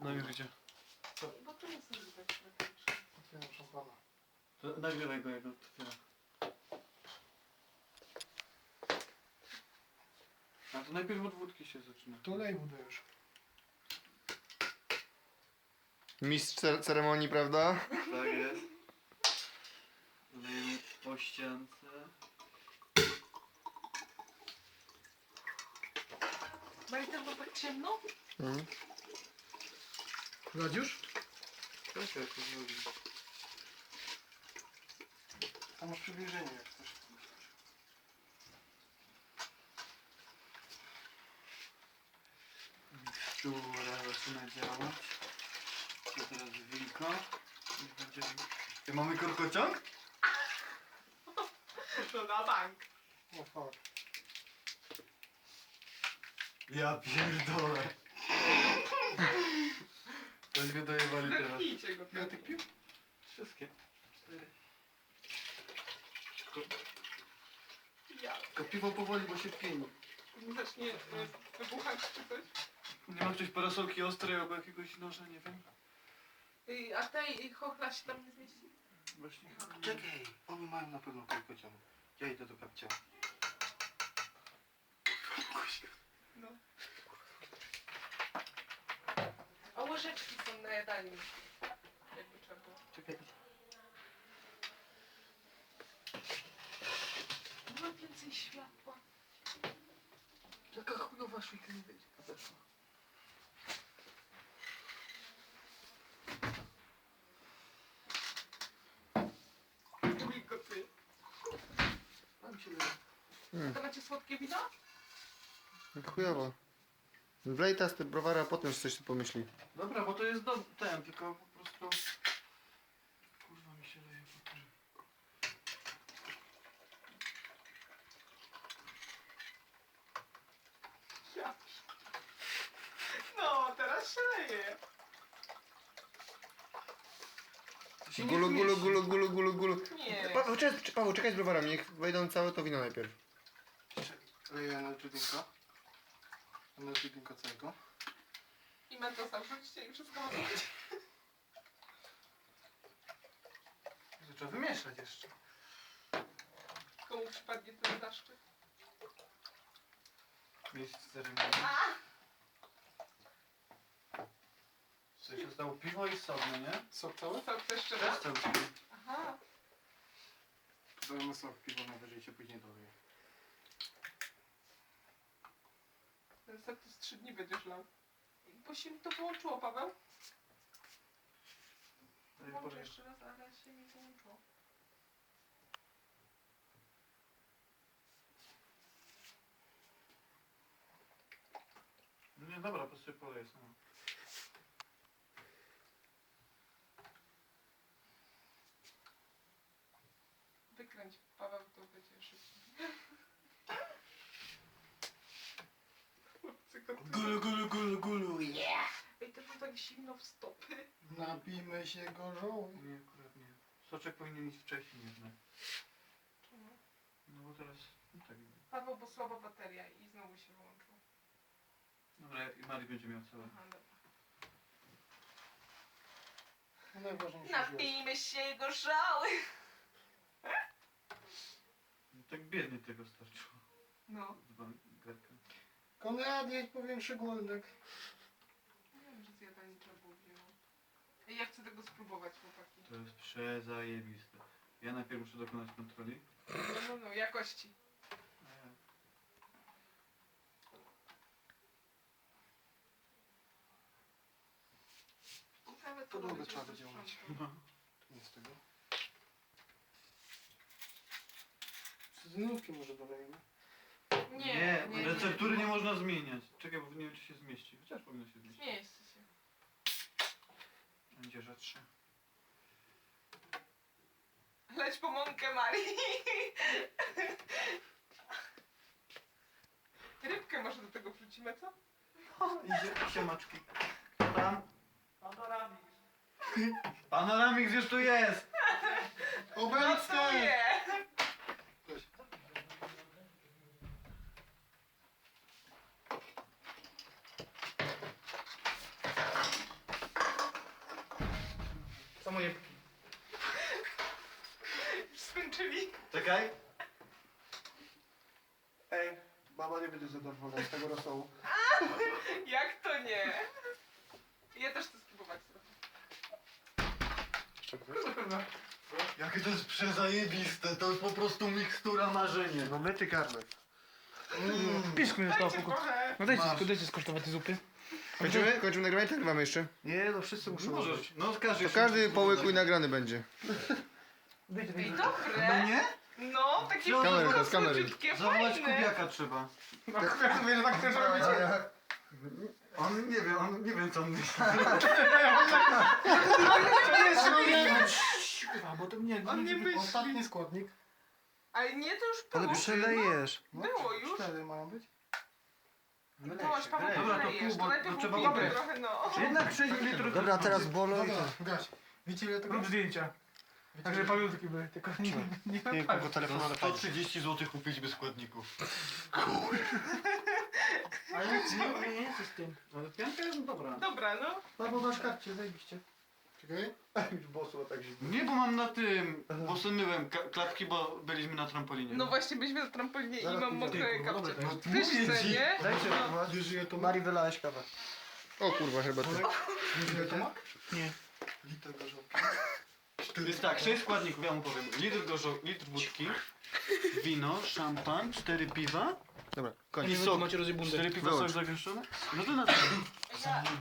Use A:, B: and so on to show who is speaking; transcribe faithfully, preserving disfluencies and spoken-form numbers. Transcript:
A: No już idzie.
B: Bo to nie są widać praktycznie.
C: Otwieram szampana.
A: To nagrywaj go, jak go otwiera. A to najpierw od wódki się zaczyna.
C: To lej budę już.
D: Mistrz cer- ceremonii, prawda?
A: Tak jest. Lejemy po ściance.
B: Maritem, bo tak ciemno?
D: Mhm.
C: Lać już?
A: Tak, jak to zrobi.
C: Tam masz przybliżenie jak chcesz.
A: Mikstura zaczyna działać. To teraz wilko. I będzie... I mamy korkociąg?
B: To na bank.
C: O fuck.
A: Ja pierdolę. Tośmy dojewali teraz.
B: Zerknijcie go.
C: Ile tych pił?
A: Wszystkie. Cztery.
B: Ja.
A: Tylko piwo powoli, bo się pieni.
B: Zacznie y, wybuchać czy coś.
A: Nie ma ktoś parasolki ostrej albo jakiegoś noża, nie wiem.
B: Y, a tej y, chochla się tam nie zmieści?
A: Właśnie.
E: Czekaj, oni mają na pewno korkociąg. Ja idę do kapcia.
B: No. A łyżeczki są na jadalni. Jakby trzeba było.
E: Czekaj.
B: Ma więcej światła.
E: Jaka chujowa szwika nie będzie.
B: Drugi gotuje.
E: Mam się leje.
D: Hmm.
B: To macie słodkie wino?
D: Chujowo. Wlej teraz te browary, a potem coś tu pomyśli.
A: Dobra, bo to jest do... ten, tylko po prostu... Kurwa mi się leje po tym.
B: Ja. No, teraz się leje.
A: To się nie
D: Gulu, gulu,
A: zmieści.
D: gulu, gulu, gulu, gulu.
B: Nie.
D: Paweł, czekaj, Paweł, czekaj z browarami, niech wejdą całe to wino najpierw.
E: Leję na drinka. Na drinka całego.
B: I mentosa wrzućcie i wszystko może być.
C: To trzeba wymieszać jeszcze.
B: Komu przypadnie ten zaszczyt?
A: Miejsce ceremonii. Coś zostało piwo i sok, no nie?
C: Sok cały?
B: Co, to jeszcze
A: Też
B: raz?
A: cały
B: Aha.
E: Dajemy sok, piwo najwyżej się później dowie.
B: Ten sok to z trzy dni będziesz lał. Bo się mi to wyłączyło, Paweł. Włączę jeszcze raz, ale się mi wyłączyło.
A: No nie, dobra, po sobie poleję sama.
B: Wykręć, Paweł, to będzie szybciej. Chłopcy, gotują.
E: Gulu, gulu, gulu, gulu, yeah!
B: Ej, to było tak zimno w stopy.
C: Napijmy się gorzoły.
A: Nie, akurat nie. Soczek powinien iść wcześniej jednak.
B: Czemu?
A: No bo teraz... No tak.
B: Paweł, bo słaba bateria i znowu się wyłączyło.
A: Dobra, i Mari będzie miał całe.
B: Aha, dobra.
C: No najważniejsze jest.
B: Napijmy się gorzoły.
A: No, tak biednie tego starczyło.
B: No.
A: Z bankerką.
C: Konrad, jedź po większy głodek.
B: Nie wiem, że zjadanie trzeba było wziąć. Ej, ja chcę tego spróbować, chłopaki.
A: To jest przezajebiste. Ja najpierw muszę dokonać kontroli.
B: No, no, no, jakości.
A: A ja...
B: Nawet
E: Podłogę
B: robić
E: trzeba
B: bez
E: będzie umyć.
B: sprzętu.
E: Nie z tego.
C: Cytrynówki może dolejemy.
B: Nie, nie,
A: receptury nie można zmieniać. Czekaj, bo nie wiem, czy się zmieści. Chociaż powinno się zmieścić.
B: Nie jest się.
A: Będzie rzadsze.
B: Leć po mąkę, Marii. Rybkę może do tego wrzucimy, co?
A: Idzie siemaczki. Tam.
B: Panoramik.
A: Panoramik już tu jest!
C: Obecnie!
B: Gotuję!
A: moje.
B: Już skończyli.
E: Czekaj.
C: Ej, baba nie będzie zadowolona z tego rosołu.
B: Jak to nie? Ja też chcę spróbować trochę.
E: Jakie to jest przezajebiste, to jest po prostu mikstura marzenie.
C: No myty garnek.
A: Piszku mi zostało
B: Dajcie
A: pokój.
B: trochę.
A: No dajcie, tylko dajcie skosztować tej zupy.
D: Kończymy? Kończymy nagrywanie? Tak nagrywamy jeszcze.
C: Nie, no wszyscy muszą
E: Możesz,
C: użyć.
E: no każdy...
D: To każdy po łyku i nagrany będzie.
A: Dajcie,
B: Ej,
A: dajcie.
B: dobre.
E: nie?
B: No, takie
E: Z kamery,
B: piwko
D: z kamery.
B: słodziutkie,
E: Zawołać
B: fajne.
E: Kubiaka trzeba.
A: No ja mówię, że tak chcesz robić.
E: On nie wie, on nie wiem co on myśli.
A: A, bo to nie,
B: On nie myśli.
C: Ostatni składnik.
B: Ale nie, to już było.
C: Ale przelejesz. No,
B: Było już.
C: Cztery mają być?
B: To masz Paweł,
E: Dobra, to
B: przelejesz.
E: pół, bo-
B: najpierw
E: to trzeba
B: upijmy
E: ubrać.
B: trochę, no.
E: Jednak sześć litrów.
C: Dobra, teraz bolo i to. Gaś. Wiecie ile tego?
A: Rób zdjęcia. Także pamiątki były, tylko nie, nie
C: Nie, kogo telefonu
E: To
C: ale
E: sto trzydzieści złotych kupić bez składników.
A: Ale nie, nie, nie, co z tym.
E: Ale pianka jest dobra.
B: Dobra, no.
C: Albo masz karcie, zajebiście. Czekaj. Już bosło tak się
E: Nie, bo mam na tym, bo sunąłem ka- klapki, bo byliśmy na trampolinie.
B: No właśnie, byliśmy na trampolinie i
C: Zaraz
B: mam
C: pójdę.
B: mokre
A: Dobra,
B: kapcie.
A: dobra,
B: Ty też
E: mówię
B: chce,
E: ci.
B: nie?
C: Dajcie,
B: No.
C: wiesz ile to Mari wylałeś kawę.
D: O kurwa, chyba ty.
C: Wiesz ile to ma?
A: Nie.
C: Liter gorzałki.
E: Jest tak, sześć składników, ja mu powiem. Litr, gorzo, litr wódki, wino, szampan, cztery piwa
D: Dobra,
E: i
D: koniec.
E: sok.
A: Macie rozjebundę.
E: Cztery piwa,
D: Wyłącz.
E: sok zagęszczony? No to na to.
B: Ja,